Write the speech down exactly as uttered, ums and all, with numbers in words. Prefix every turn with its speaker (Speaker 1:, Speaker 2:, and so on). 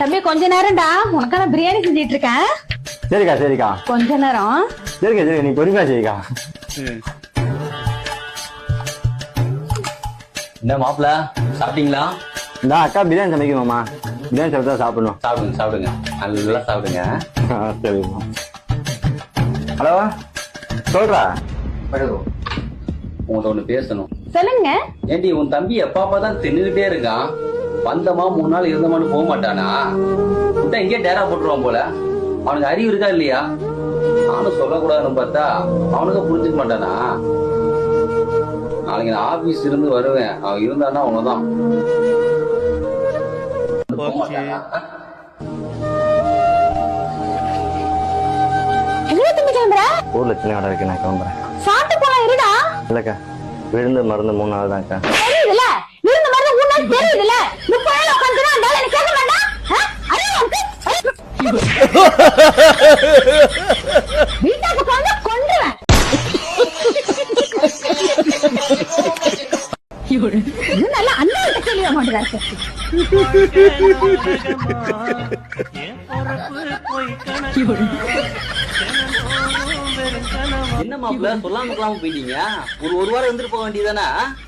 Speaker 1: தம்பி கொஞ்ச நேரம்டா உனக்கான பிரியாணி செஞ்சிட்டு இருக்கேன்.
Speaker 2: சரிக்கா சரிக்கா
Speaker 1: கொஞ்ச நேரம்.
Speaker 2: சரிக்கா சரிக்கா நீ பொறுமையா சரிக்கா.
Speaker 3: என்ன மாப்பிள்ள சாப்பிட்டீங்களா?
Speaker 2: இந்த அக்கா பிரியாணி சமைக்கணுமாமா, பிரியாணி சமைச்சா சாப்பிடணும்.
Speaker 3: சாப்பிடுங்க சாப்பிடுங்க நல்லா சாப்பிடுங்க.
Speaker 2: சரிம்மா. ஹலோ சொல்றா.
Speaker 3: உங்கள்ட்ட ஒண்ணு பேசணும்.
Speaker 1: சொல்லுங்க.
Speaker 3: ஏண்டி உன் தம்பி எப்பா தான் தின்னுகிட்டே இருக்கான். வந்தமா மூணு நாள் இருந்தமான்னு போக மாட்டானா? விட்டா இங்கே டேரா போட்டுருவான் போல. அவனுக்கு அறிவு இருக்கா இல்லையா? நானும் சொல்லக்கூடாதுன்னு பார்த்தா அவனுக்கு புரிஞ்சுக்க மாட்டானா? நாளைக்கு நான் ஆபீஸ் இருந்து வருவேன். அவன் இருந்தான்னா அவனதான்.
Speaker 2: ஊர்ல சின்ன கடை இருக்கு, நான் கிளம்புறேன்.
Speaker 1: சாப்பிட்டு போலாம் இருடா.
Speaker 2: இல்லக்கா விழுந்து மருந்து மூணு நாள் தான்க்கா.
Speaker 1: தெரியுதுல விழுந்த மருந்து மூணு நாள் தெரியுதுல. முப்பது நாள் உட்காந்துனா அந்த எனக்கு கேட்க வேண்டாம். வீட்டாக்கு போனா கொண்டுவேன். நல்லா அந்த கேள்வி மாட்டேன்.
Speaker 3: என்ன மாப்பிள்ள சொல்லாம சொல்லாம போயிட்டீங்க? ஒரு ஒரு வாரம் இருந்துட்டு போக வேண்டியதானே?